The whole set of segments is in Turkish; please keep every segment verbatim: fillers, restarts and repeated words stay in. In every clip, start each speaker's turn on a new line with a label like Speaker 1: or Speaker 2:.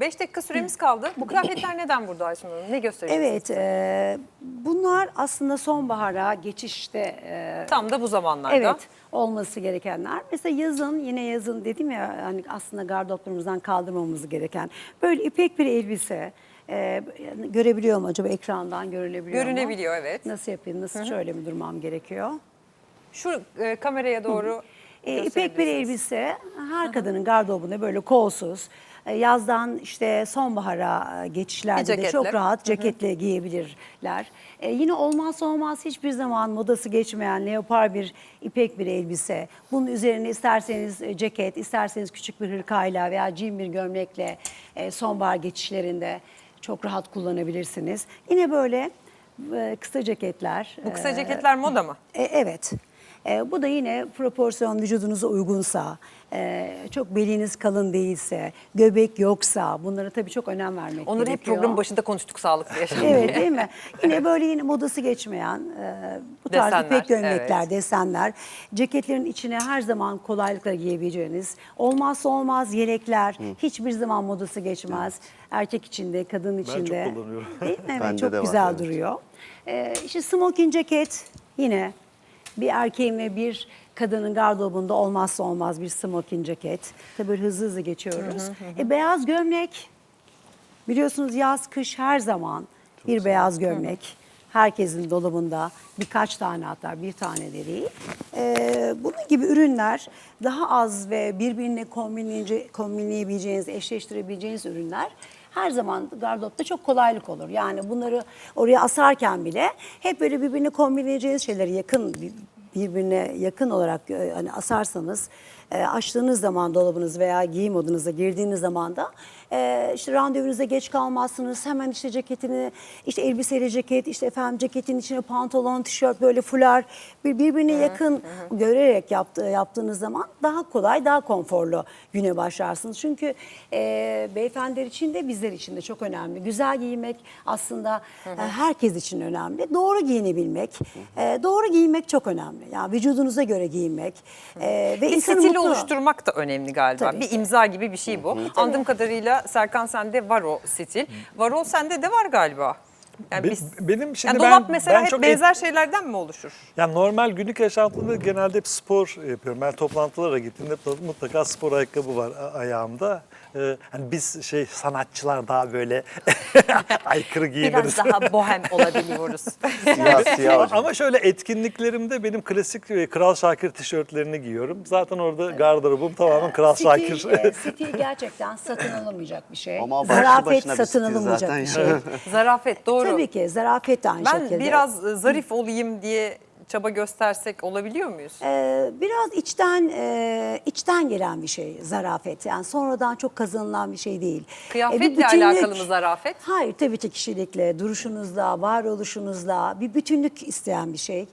Speaker 1: beş dakika süremiz kaldı. Bu kıyafetler neden burada Aysun Hanım? Ne gösteriyorsunuz?
Speaker 2: Evet, e, bunlar aslında sonbahara geçişte e,
Speaker 1: Tam da bu zamanlarda.
Speaker 2: evet olması gerekenler. Mesela yazın, yine yazın dedim ya, hani aslında gardıroplarımızdan kaldırmamamız gereken böyle ipek bir elbise. E, görebiliyor mu acaba, ekrandan görülebiliyor mu?
Speaker 1: Görünebiliyor, evet.
Speaker 2: Nasıl yapayım, nasıl şöyle mi durmam gerekiyor?
Speaker 1: Şu e, kameraya doğru
Speaker 2: E, İpek bir
Speaker 1: gösterebilirsiniz.
Speaker 2: elbise her kadının gardırobunda böyle kolsuz, e, yazdan işte sonbahara e, geçişlerde de
Speaker 1: ceketle.
Speaker 2: çok rahat ceketle giyebilirler. E, yine olmazsa olmaz, hiçbir zaman modası geçmeyen leopar bir ipek bir elbise. Bunun üzerine isterseniz e, ceket, isterseniz küçük bir hırkayla veya jean bir gömlekle e, sonbahar geçişlerinde çok rahat kullanabilirsiniz. Yine böyle e, kısa ceketler.
Speaker 1: Bu kısa
Speaker 2: e,
Speaker 1: ceketler moda mı?
Speaker 2: e, evet. E, bu da yine proporsiyon vücudunuza uygunsa, e, çok beliniz kalın değilse, göbek yoksa, bunlara tabii çok önem vermek
Speaker 1: Onları hep
Speaker 2: gerekiyor.
Speaker 1: programın başında konuştuk sağlıklı yaşam
Speaker 2: Evet,
Speaker 1: diye.
Speaker 2: değil mi? Yine böyle yine modası geçmeyen e, bu tarz
Speaker 1: Desenler,
Speaker 2: ipek gömlekler,
Speaker 1: evet.
Speaker 2: desenler, ceketlerin içine her zaman kolaylıkla giyebileceğiniz, olmazsa olmaz yelekler, hiçbir zaman modası geçmez. Erkek için de, kadın için
Speaker 3: çok
Speaker 2: de.
Speaker 3: kullanıyorum.
Speaker 2: Değil mi? Evet,
Speaker 4: Bende
Speaker 2: çok
Speaker 4: de var,
Speaker 2: güzel
Speaker 4: evet.
Speaker 2: duruyor. E, işte smoking ceket yine bir erkeğin ve bir kadının gardırobunda olmazsa olmaz bir smoking ceket. Tabii böyle hızlı hızlı geçiyoruz. E, beyaz gömlek, biliyorsunuz yaz kış her zaman bir beyaz gömlek. Herkesin dolabında birkaç tane, hatta bir tane de değil. E, bunun gibi ürünler daha az ve birbirine kombinleyece- kombinleyebileceğiniz, eşleştirebileceğiniz ürünler her zaman gardıropta çok kolaylık olur. Yani bunları oraya asarken bile hep böyle birbirine kombinleyeceğiniz şeyleri yakın, birbirine yakın olarak e, hani asarsanız, e, açtığınız zaman dolabınız veya giyim odanıza girdiğiniz zaman da e, işte randevunuza geç kalmazsınız. Hemen işte ceketini, işte elbiseyle ceket, işte efendim ceketin içine pantolon, tişört, böyle fular bir- birbirine yakın görerek yaptı, yaptığınız zaman daha kolay, daha konforlu güne başlarsınız. Çünkü e, beyefendiler için de bizler için de çok önemli. Güzel giymek aslında e, herkes için önemli. Doğru giyinebilmek, e, doğru giyinmek çok önemli. Yani vücudunuza göre giyinmek e, ve
Speaker 1: Bir
Speaker 2: insanı
Speaker 1: stili
Speaker 2: mutlu.
Speaker 1: oluşturmak da önemli galiba.
Speaker 2: Tabii
Speaker 1: Bir
Speaker 2: ki.
Speaker 1: imza gibi bir şey bu. Anladığım kadarıyla Serkan, sende var o stil. Var o sende de var galiba. Yani
Speaker 3: Be-
Speaker 1: biz,
Speaker 3: benim şimdi
Speaker 1: yani
Speaker 3: ben,
Speaker 1: dolap mesela
Speaker 3: ben
Speaker 1: hep
Speaker 3: çok
Speaker 1: benzer şeylerden mi oluşur?
Speaker 3: Yani normal günlük yaşantımda genelde hep spor yapıyorum. Ben toplantılara gittiğimde mutlaka spor ayakkabı var a- ayağımda. Ee, hani biz şey sanatçılar daha böyle aykırı giyiniriz.
Speaker 1: Biraz daha bohem olabiliyoruz.
Speaker 4: Siyah siyah hocam.
Speaker 3: Ama şöyle etkinliklerimde benim klasik e, Kral Şakir tişörtlerini giyiyorum. Zaten orada gardırobum tamamen Kral Şakir.
Speaker 2: Stil, e, stil gerçekten satın alamayacak bir şey.
Speaker 4: Ama başlı
Speaker 2: Zarafet
Speaker 4: başına bir
Speaker 2: satın
Speaker 4: stil
Speaker 2: alamayacak
Speaker 4: zaten
Speaker 2: bir şey.
Speaker 4: ya.
Speaker 1: Zarafet, doğru.
Speaker 2: Tabii ki zarafet de aynı
Speaker 1: Ben
Speaker 2: şekilde.
Speaker 1: biraz e, zarif olayım diye çaba göstersek olabiliyor muyuz?
Speaker 2: Ee, biraz içten e, içten gelen bir şey zarafet. Yani sonradan çok kazanılan bir şey değil.
Speaker 1: Kıyafetle
Speaker 2: E, bir bütünlük-
Speaker 1: alakalı mı zarafet?
Speaker 2: Hayır, tabii ki kişilikle, duruşunuzla, varoluşunuzla bir bütünlük isteyen bir şey.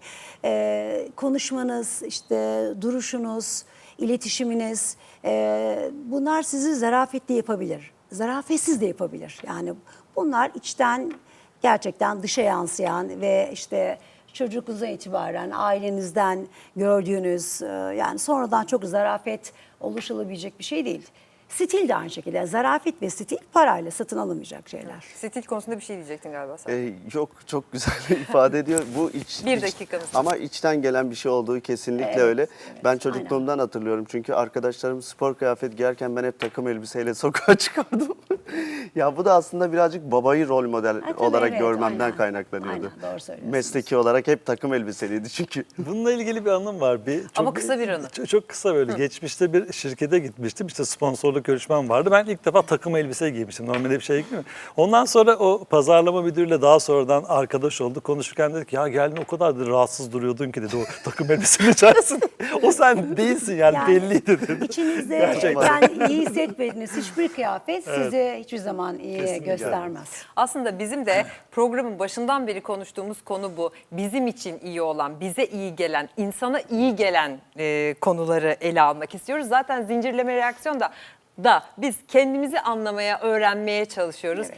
Speaker 2: Ee, konuşmanız, işte duruşunuz, iletişiminiz, e, bunlar sizi zarafetli yapabilir. Zarafetsiz de yapabilir. Yani bunlar içten, gerçekten dışa yansıyan ve işte çocukluğunuzdan itibaren ailenizden gördüğünüz, e, yani sonradan çok zarafet oluşulabilecek bir şey değil. Stil de aynı şekilde. Zarafet ve stil parayla satın alamayacak şeyler.
Speaker 1: Stil konusunda bir şey diyecektin galiba sen.
Speaker 4: Ee, yok, çok güzel ifade ediyor. Bu iç,
Speaker 1: Bir
Speaker 4: iç-
Speaker 1: dakikanız.
Speaker 4: ama içten gelen bir şey olduğu kesinlikle
Speaker 2: Evet,
Speaker 4: öyle.
Speaker 2: evet,
Speaker 4: Ben çocukluğumdan hatırlıyorum. Çünkü arkadaşlarım spor kıyafet giyerken ben hep takım elbiseyle sokağa çıkardım. Ya bu da aslında birazcık babayı rol model
Speaker 2: tabii,
Speaker 4: olarak
Speaker 2: evet,
Speaker 4: görmemden
Speaker 2: aynen.
Speaker 4: kaynaklanıyordu.
Speaker 2: Aynen, doğru söylüyorsunuz.
Speaker 4: Mesleki olarak hep takım elbiseliydi çünkü.
Speaker 3: Bununla ilgili bir anım var. Bir, çok,
Speaker 1: Ama kısa bir anı.
Speaker 3: Çok, çok kısa böyle. Geçmişte bir şirkete gitmiştim. İşte sponsorluk görüşmem vardı. Ben ilk defa takım elbise giymiştim. Normalde bir şey giymiyorum. Ondan sonra o pazarlama müdürüyle daha sonradan arkadaş oldu. Konuşurken dedik ya geldin o kadar da rahatsız duruyordun ki dedi o takım elbisenin içerisinde. O sen değilsin yani,
Speaker 2: Yani
Speaker 3: belliydi dedi.
Speaker 2: İçinizde
Speaker 3: Gerçekten.
Speaker 2: yani iyi hissetmediğiniz hiçbir kıyafet sizi hiçbir zaman iyi
Speaker 3: Kesinlikle.
Speaker 2: göstermez.
Speaker 1: Aslında bizim de programın başından beri konuştuğumuz konu bu. Bizim için iyi olan, bize iyi gelen, insana iyi gelen e, konuları ele almak istiyoruz. Zaten zincirleme reaksiyon da da biz kendimizi anlamaya, öğrenmeye çalışıyoruz.
Speaker 2: Evet.